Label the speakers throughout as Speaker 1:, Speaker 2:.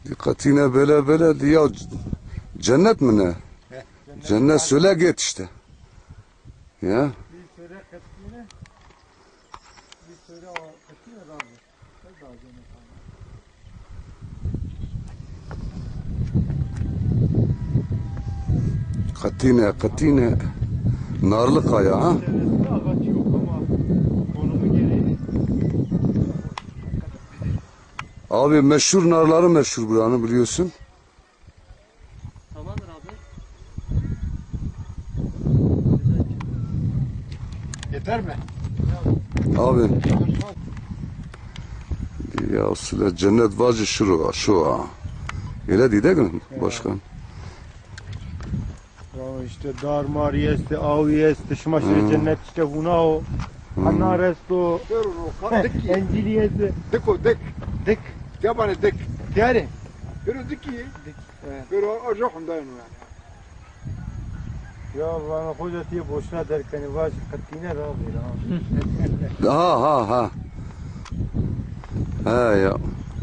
Speaker 1: Dikkatine böyle diye cennet mi ne? Cennet söyle git işte. Ya.
Speaker 2: Bir söyle katkine, bir söyle katkine razı. Çok daha cennet
Speaker 1: Katine. Narlı kaya ha.
Speaker 2: Cennette ağaç yok ama konumu gereği.
Speaker 1: Abi meşhur narları meşhur buranın biliyorsun.
Speaker 2: Tamamdır abi. Yeter mi?
Speaker 1: Abi. Ya sıra cennet vacı şu ha. Öyle değil mi başkan?
Speaker 2: Ya işte darmar yesti, av yesti, şmaşır cennet işte huna o. Anar esto, encil yesti.
Speaker 3: دك ياباني دك
Speaker 2: Yani.
Speaker 3: يرو دكي يرو ارجعهم دايما يعني
Speaker 2: Ya bana hoca diye boşuna derken var katkine razı.
Speaker 1: Ha. He ya.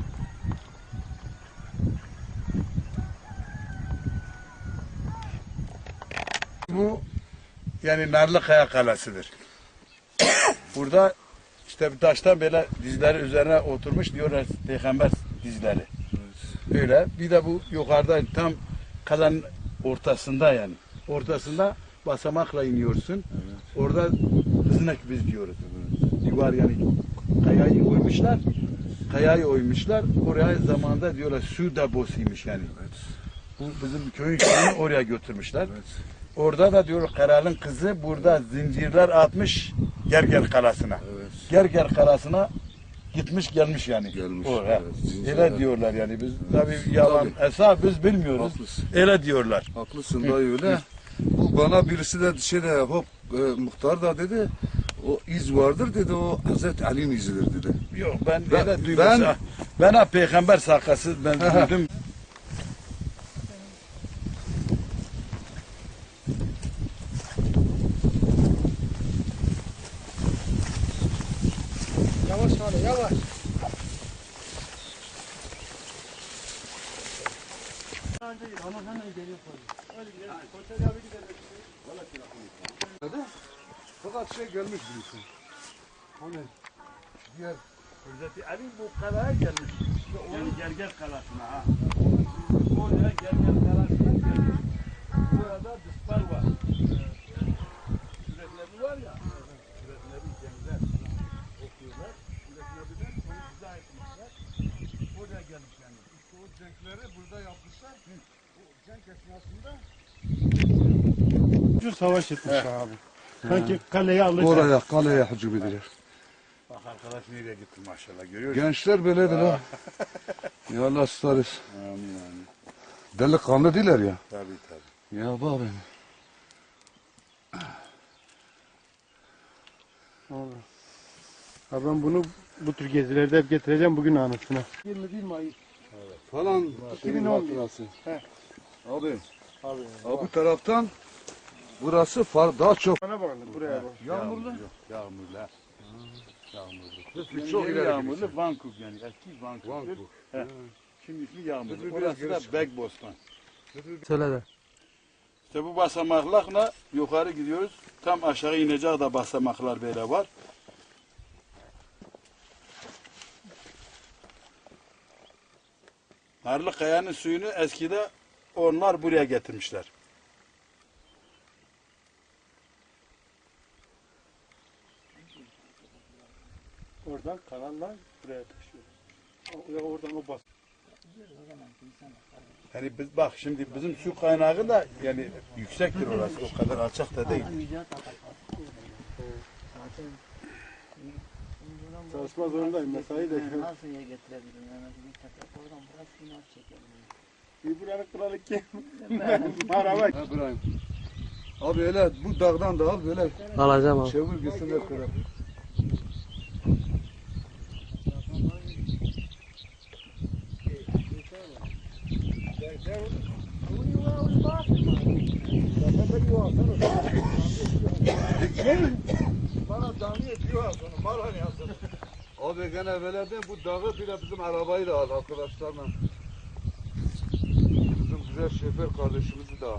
Speaker 4: Bu yani Narlıkaya Kalesi'dir. Burada işte bir taştan böyle dizleri üzerine oturmuş diyorlar peygamber dizleri. Öyle. Bir de bu yukarıda tam kalenin ortasında yani. Ortasında basamakla iniyorsun. Orada hızınak biz diyoruz. Divar yani kayayı oymuşlar. Kayayı oymuşlar. Oraya zamanında diyorlar su deposuymuş yani. Bu bizim köyün şeyini oraya götürmüşler. Orada da diyor kralın kızı burada zincirler atmış Gerger Kalesi'ne. Gerger Kalesi'ne gitmiş gelmiş yani.
Speaker 1: Gelmiş.
Speaker 4: Oraya.
Speaker 1: Evet,
Speaker 4: Öyle diyorlar yani biz tabii yalan hesap biz bilmiyoruz.
Speaker 1: Haklısın.
Speaker 4: Öyle diyorlar.
Speaker 1: Haklısın dayı öyle. Bu bana birisi de muhtar da dedi. O iz vardır dedi. O Hazreti Ali'nin izidir dedi.
Speaker 4: Yok ben
Speaker 1: Ben-
Speaker 4: öyle duydum. Ben ha peygamber sakası ben duydum.
Speaker 2: Yavaş hadi yavaş.
Speaker 1: Fakat şey gelmiş birisi. Hani diğer
Speaker 4: Hazreti Ali bu kalaya gelmiş. Yani Gerger Kalesi'ne ha. Oraya Gerger Kalesi'ne gelmiş. Burada dispar var. Sürekleri var ya. Sürekleri gençler okuyorlar. Süreklerden onu izah etmişler. Oraya gelmiş yani.
Speaker 1: işte o cenkleri burada yapmışlar. O cenk esnasında
Speaker 2: Ucuz savaş etmiş abi. Sanki kaleyi alacak.
Speaker 1: kaleye hücum edilir.
Speaker 4: Bak arkadaş nereye gitti maşallah görüyor musun?
Speaker 1: Gençler böyledir ha. Ya Allah ıslarız.
Speaker 4: Amin amin.
Speaker 1: Delikanlı değiller ya.
Speaker 4: Tabii tabii.
Speaker 1: Ya bak benim.
Speaker 2: Ha ben bunu bu tür gezilerde hep getireceğim bugün anısına. 21 Mayıs.
Speaker 1: Falan
Speaker 2: 2011.
Speaker 1: hatırası.
Speaker 2: He.
Speaker 1: Abi.
Speaker 2: Abi.
Speaker 1: Bu taraftan burası daha çok.
Speaker 2: Bana bakalım buraya bak.
Speaker 1: Yağmurlu.
Speaker 4: Yok yağmurlu. Yağmurlu.
Speaker 1: Çok ileri
Speaker 4: yağmurlu Vancouver yani eski Vancouver. He. Şimdi ismi yağmurlu.
Speaker 1: Biraz
Speaker 4: Orası
Speaker 1: geri
Speaker 4: da
Speaker 1: çık.
Speaker 4: Begbostan.
Speaker 2: Söyle de.
Speaker 4: İşte bu basamaklarla yukarı gidiyoruz. Tam aşağı inecek de basamaklar böyle var. Narlıkaya'nın suyunu eskide onlar buraya getirmişler.
Speaker 2: Oradan kanallar buraya taşıyor. Oradan o bas.
Speaker 4: Yani biz bak şimdi bizim su kaynağı da yani yüksektir orası. O kadar alçak da değil.
Speaker 2: Çalışma zorundayım. Mesai de.
Speaker 5: Nasıl yer getirebilirim? Yani bir tepe oradan biraz final çekebilirim.
Speaker 2: Bir buranın kralı kim? Merhaba.
Speaker 1: İbrahim. Abi öyle bu dağdan da al böyle
Speaker 5: Alacağım abi.
Speaker 1: çevir gitsin hep böyle.
Speaker 3: bana cami ediyor sonra bana ne yazın
Speaker 1: Abi gene böyle de bu dağı bile bizim arabayı da al arkadaşlarla. Şuraya şoför kardeşimizi de al.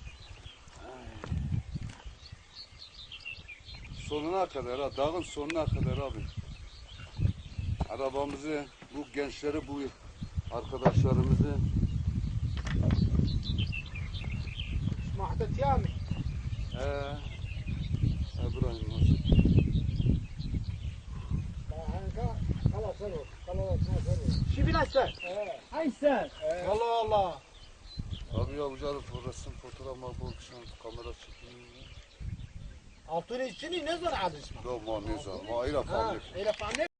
Speaker 1: Sonuna kadar ha, dağın sonuna kadar abi. Arabamızı, bu gençleri, bu arkadaşlarımızı
Speaker 3: محدث يامي
Speaker 1: İbrahim nasıl?
Speaker 3: خلاص سلو خلاص ما سلو
Speaker 5: شو في ناس هاي سال
Speaker 3: والله والله
Speaker 1: Abi yapacağız resim fotoğraf bu akşam kamera çekimi.
Speaker 3: اعطوني السنين نزل على اسمه
Speaker 1: Da ma ne zaman? Ma ila family.
Speaker 3: الى فعلنا